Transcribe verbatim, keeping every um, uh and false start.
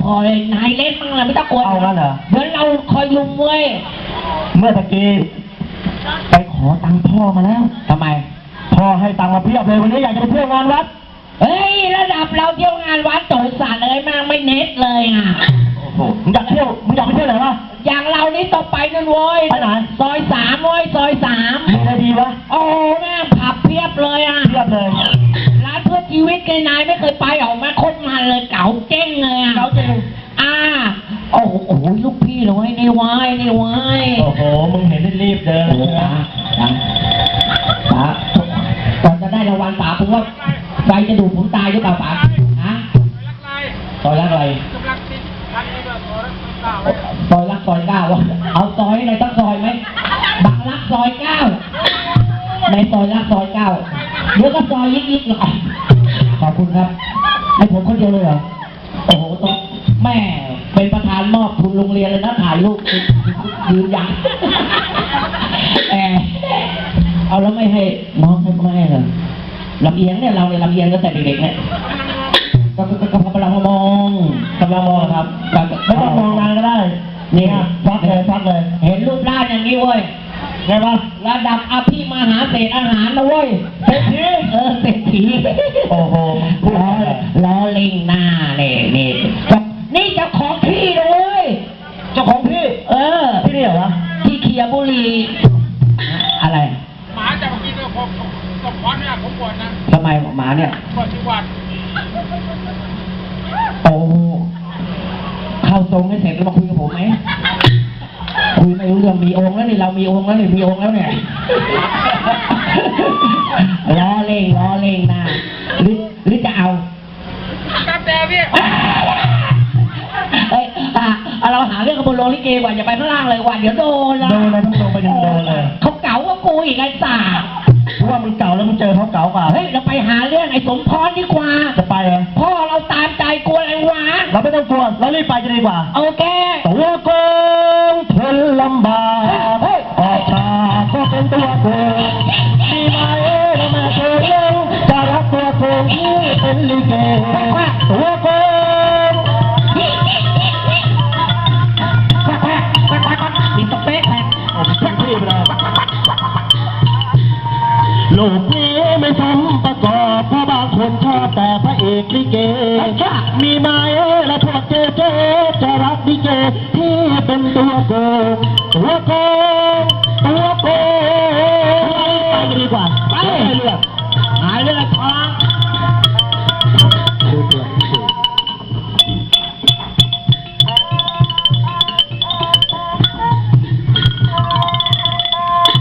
คอยนายเล่นมั่งเลยไม่ต้องกลัวเอางั้นเหรอเดี๋ยวเราคอยลุมเว้ยเมื่อตะกี้ไปขอตังค์พ่อมาแล้วทำไมพ่อให้ตังค์มาเพียบเลยวันนี้อยากจะไปเที่ยวงานวัดเฮ้ยระดับเราเที่ยวงานวัดโจรสัตว์เลยมากไม่เน็ตเลยอ่ะโอ้โหมึงอยากเที่ยวมึงอยากไปเที่ยวไหนวะอย่างเรานี่ต้องไปนั่นเว้ยไปไหนซอยสามเว้ยซอยสามมีอะไรดีวะโอ้แม่ผับเพียบเลยอ่ะเพียบเลยร้านเพื่อชีวิตไงนายไม่เคยไปออกมาโคตรมันเลยเก๋าเจ๊งเลยอ่ะเก๋าเจ๊งอ่าโอ้โหโอ้โหลูกพี่เลยนี่วายนี่วายโอ้โหมึงเห็นรีบเดินนะนะป๋าก่อนจะได้รางวัลป๋าผมว่าใครจะดูผมตายหรือเปล่าป๋าฮะซอยรักอะไรซอยรักซอยเก้าวะเอาซอยอะไรตั้งซอยไหมบักรักซอยเก้าในซอยรักซอยเก้าเดี๋ยวก็ซอยยิกยิกหรอกขอบคุณครับให้ผมคนเดียวเลยเหรอโอ้โหต้องแม่เป็นประธานมอบทุนโรงเรียนเลยนะถ่ายรูปยืนยันแอบเอาแล้วไม่ให้น้องให้ไม่ให้เหรอลำเอียงเนี่ยเราเนี่ยลำเอียงตั้งแต่เด็กๆเนี่ยก็ก็ก็กำลังมองกำลังมองครับไม่ต้องมองนานก็ได้นี่พักเลยพักเลยเห็นรูปร่างอย่างนี้เว้ยไงวะระดับอภิมหาเศรษฐอาหารนะเว้ยเศรษฐีเออเศรษฐีโอ้โหล้อล้อเล่งหน้าเนี่ยนี่นี่เจ้าของที่เลยเจ้าของที่เออที่นี่เหรอวะที่เคียบุรีอะไรหมาจะมากินกับผมกับควันเนี่ยผมปวดนะทำไมหมาเนี่ยปวดที่วัดโอ้เข้าทรงให้เสร็จแล้วมาคุยกับผมไหมคุยไม่รู้เรื่องมีองค์แล้วนี่เรามีองค์แล้วนี่มีองค์แล้วเนี่ยล้อเล่งล้อเล่งนะหรือหรือจะเอาตามแต่พี่เอ้ยเราหาเรื่องกับบนโรงลิเกว่าอย่าไปข้างล่างเลยว่าเดี๋ยวโดนละโดนเลยต้องลงไปโดนเลยเขาเก๋าว่ากูอีกไอ้สาเพราะว่ามึงเก่าแล้วมึงเจอเขาเก่ากว่าเฮ้ยเราไปหาเรื่องไอ้สมพรดีกว่าจะไปเหรอพ่อเราตามใจกลัวอะไรวะเราไม่ต้องกลัวเรารีบไปจะดีกว่าโอเคตัวโกงทนลำบากออกฉากก็เป็นตัวโกงมีไหมเรามาเจอเรื่องจะรักตัวโกงที่เป็นลิเกตัวโกงติดตะเป๊ะแทงผมทิ้งที่ไปเลยโลกนี้ไม่ซ้ำประกอบเพราะบางคนชอบแต่พระเอกลิเกมีไหมและพวกเจ๊เจ๊จะรักลิเกที่เป็นตัวโกงตัวโกงตัวโกงไปดีกว่าไปเลือก